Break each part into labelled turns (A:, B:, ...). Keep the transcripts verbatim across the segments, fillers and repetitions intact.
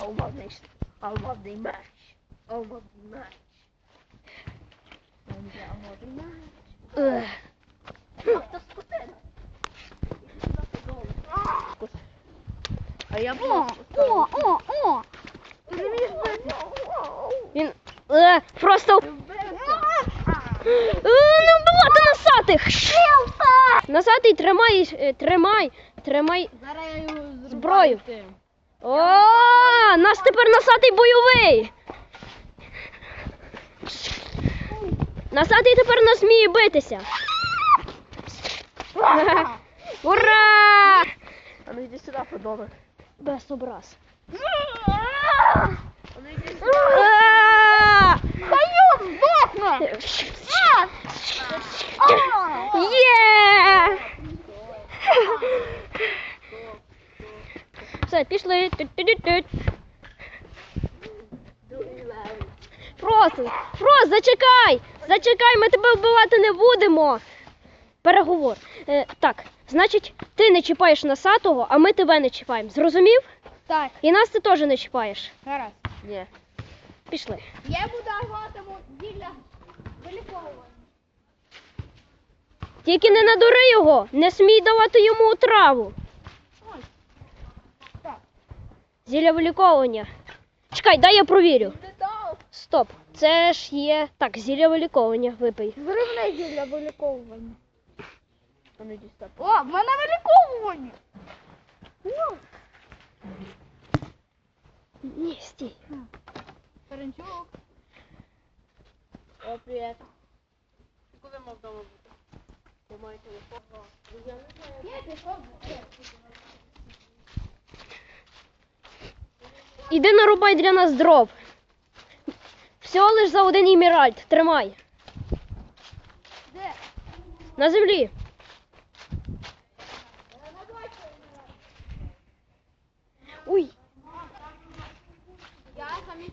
A: Алмазний, алмазний меч. Алмазний меч. Алмазний меч. Авто скотина. А я
B: О, о, о, о.
C: Він е, просто е, не вбивати носатих. Носатий, тримай, е, тримай, тримай
A: Зараз я його
C: зброю. О, нас тепер носатий бойовий. Носатий тепер не зміє битися. Ура!
A: А ну йди сюди, подонок.
C: Без образ.
A: А ну йди сюди.
B: Каю, здохне.
C: Є! Все, пішли. Тють-тють-тють. Фрост, Фрост, зачекай! Зачекай, ми тебе вбивати не будемо. Переговор. Е, так, значить, ти не чіпаєш носатого, а ми тебе не чіпаємо. Зрозумів?
B: Так,
C: І нас ти теж не чіпаєш.
B: гаразд.
A: Ні.
C: Пішли.
B: Я буду даватиму зілля виліковування.
C: Тільки не надури його, не смій давати йому траву.
B: Ой. Так.
C: Зілля виліковування. Чекай, дай я провірю.
B: Не дав.
C: Стоп, це ж є... Так, зілля виліковування, випий.
B: Зривне зілля виліковування.
A: А ну йди сюди.
B: О, в мене виліковування. О,
C: Ні, стій.
B: Перенчук.
A: О, привіт. Коли мав вдома бути? Я маю телефон. Я не знаю.
B: Я пішов.
C: Іди нарубай для нас дров. Всього лиш за один іміральд. Тримай.
B: Де?
C: На землі. Уй.
B: Я самі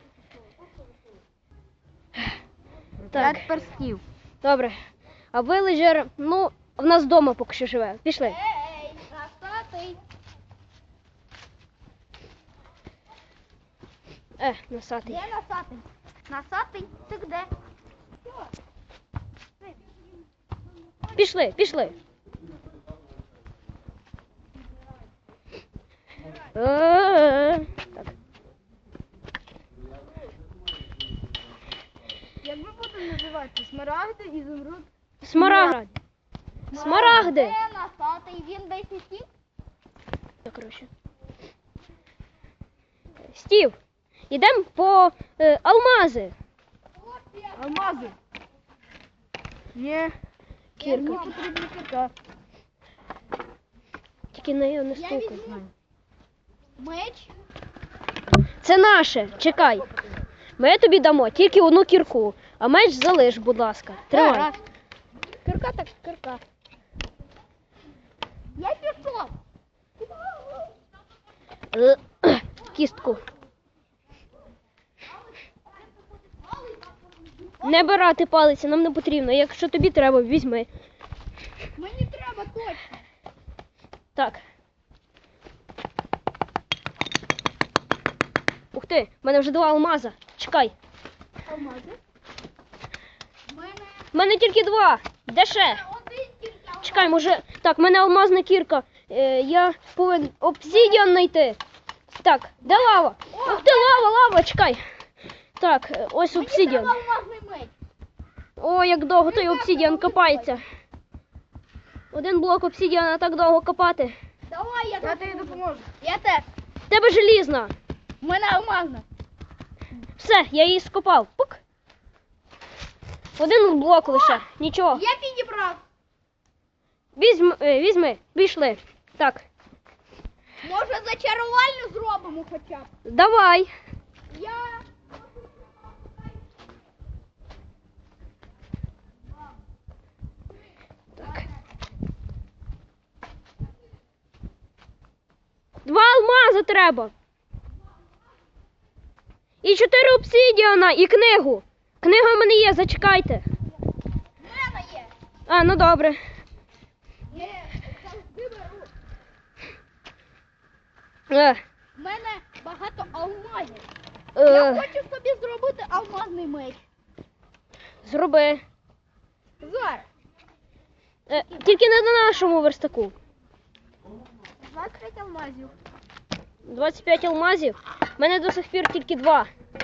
C: Так,
B: перстів.
C: добре. А вилежер, ну, в нас вдома поки що живе. Пішли.
B: Ей, носатий.
C: Е, носатий.
B: Де носатий? Носатий? Ти де?
C: Пішли, пішли. Е-е-е. Так.
B: Як ви будете називати? Смарагди, ізумруд?
C: Смарагди. Смарагди.
B: Де носатий? Він десь і тік?
C: Так, коротше. Стів, ідемо по е, алмази.
B: Алмази.
A: Ні.
C: Кірка.
B: Мені потрібна кірка.
C: Тільки на його не
B: Я
C: стукай.
B: візьму меч.
C: Це наше, чекай. Ми тобі дамо тільки одну кірку, а меч залиш, будь ласка. Тримай.
B: Гаразд. Кірка так кірка. Я пішов.
C: Е, Кістку. Не бирати палиці, нам не потрібно. Якщо тобі треба, візьми.
B: Мені треба точно.
C: Так. Ух ти, в мене вже два алмаза. Чекай.
B: Алмази. У мене
C: В мене тільки два. Де ще?
B: один тільки.
C: Чекай, може... Так, в мене алмазна кірка. Е, я повинен обсидіан знайти. Так, де лава? Ух ти, лава, лава, чекай. Так, е, ось
B: Мені
C: обсидіан.
B: треба алмазний меч.
C: О, як довго той обсидіан копається. Один блок обсидіана так довго копати.
B: Давай, я, я тобі допоможу. Я теж.
C: В тебе желізна.
B: У мене алмазна.
C: Все, я її скопав. Пук. Один блок лише. Нічого.
B: Я підібрав.
C: Візьми, е, візьми, пішли. Так,
B: Може зачарувальню зробимо хоча б.
C: давай.
B: Я...
C: Так. Два алмази треба. І чотири обсидіана, і книгу. Книга в мене є, зачекайте.
B: В мене є.
C: А, ну добре.
B: Є, завжди беру.
C: Е,
B: В мене багато алмазів.
C: Е,
B: Я хочу собі зробити алмазний меч.
C: Зроби.
B: Зараз.
C: Е, тільки не на нашому верстаку.
B: двадцять п'ять алмазів.
C: двадцять п'ять алмазів. У мене до сих пір тільки два.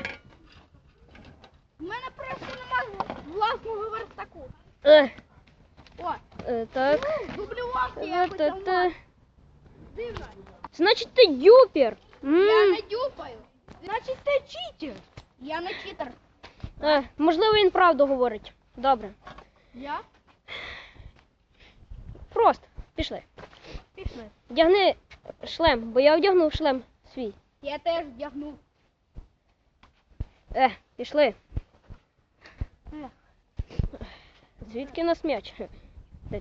B: У мене просто немає власного верстаку.
C: Е,
B: О,
C: е, так.
B: дублювався
C: Е,
B: якось
C: та- та.
B: алмаз. Дивно.
C: Значить, ти дюпер. М.
B: Я не дюпаю. Значить, ти читер. Я не читер.
C: Е, можливо, він правду говорить. Добре.
B: Я?
C: Просто. Пішли.
B: Пішли.
C: Вдягни шлем, бо я одягнув шлем свій.
B: Я теж вдягнув.
C: Е, пішли.
B: Ех.
C: Звідки у нас м'яч? Е,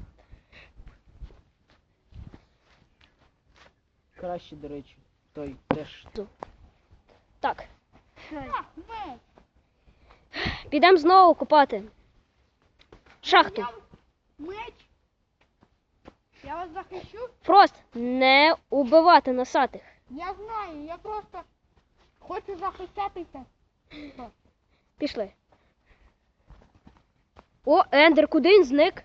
D: Краще, до речі, той теж.
C: Так,
B: А, меч.
C: підемо знову купати. Шахту.
B: Я- Меч. Я вас захищу.
C: Фрост, не убивати носатих.
B: Я знаю, я просто хочу захищатися.
C: Пішли. О, Ендер, куди він зник?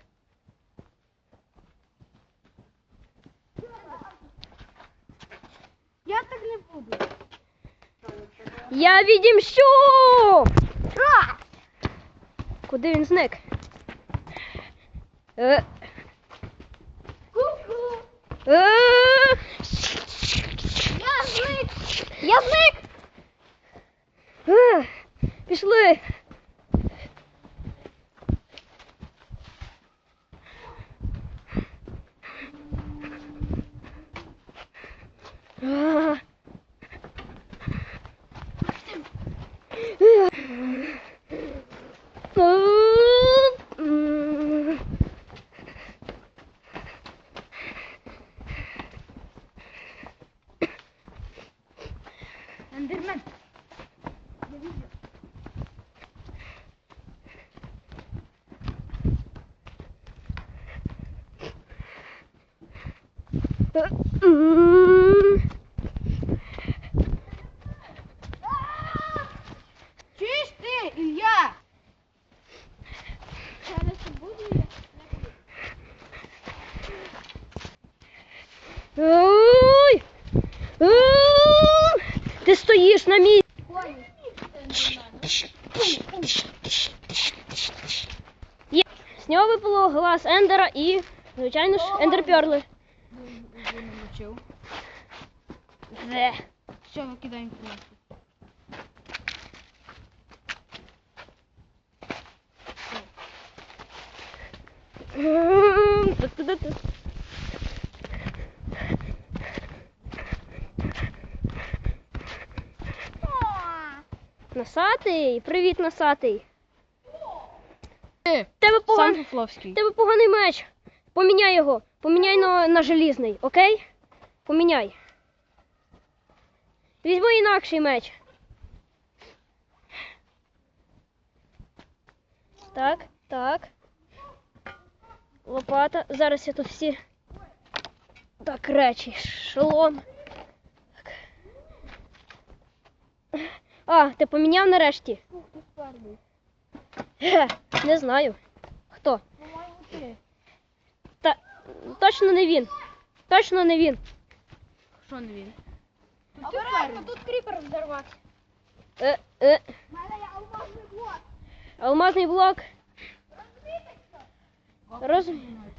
B: Я так не буду.
C: Я відімщу! Куди він зник? Е,
B: Ку-ку.
C: е,
B: Я зник.
C: Я зник! Е, Пішли. А. Е. М.
B: Ендермен.
C: М.
B: Чуєш ти, Ілля? Зараз буду я.
C: Ой! Ой! Ти стоїш на місці. Є. З нього випало глаз Ендера і, звичайно ж, ендерперли.
B: Вже намочив.
C: Де?
B: Все, викидаємо просто.
C: М, ту-ту-ту-ту. Носатий, привіт, носатий. Тебе поганий,
D: Фловський.
C: тебе поганий меч. Поміняй його. Поміняй на, на желізний, окей? Поміняй. Візьми інакший меч. Так, так. Лопата. Зараз я тут всі. Так, речі. Шолом. Так. А, ти поміняв нарешті? Ге, не знаю. Хто?
B: По-моєму, ти.
C: Та точно не він. Точно не він.
B: Що не він? Обережно, тут кріпер взорвався.
C: Е, е,
B: У мене є алмазний блок.
C: алмазний блок. Роз...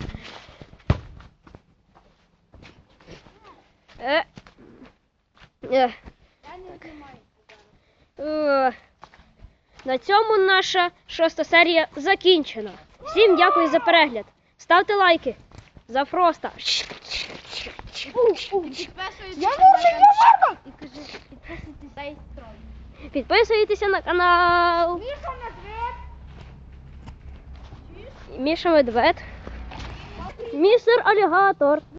C: Е. Е.
B: Я не знімаю.
C: Е. На цьому наша шоста серія закінчена. Всім дякую за перегляд. Ставте лайки за Фроста.
B: Підписуйтесь Я на можу канал. І кажи, підписуйтесь на строй.
C: Підписуйтеся на канал.
B: Міша Медведь.
C: Міша Медвед. Містер Алігатор.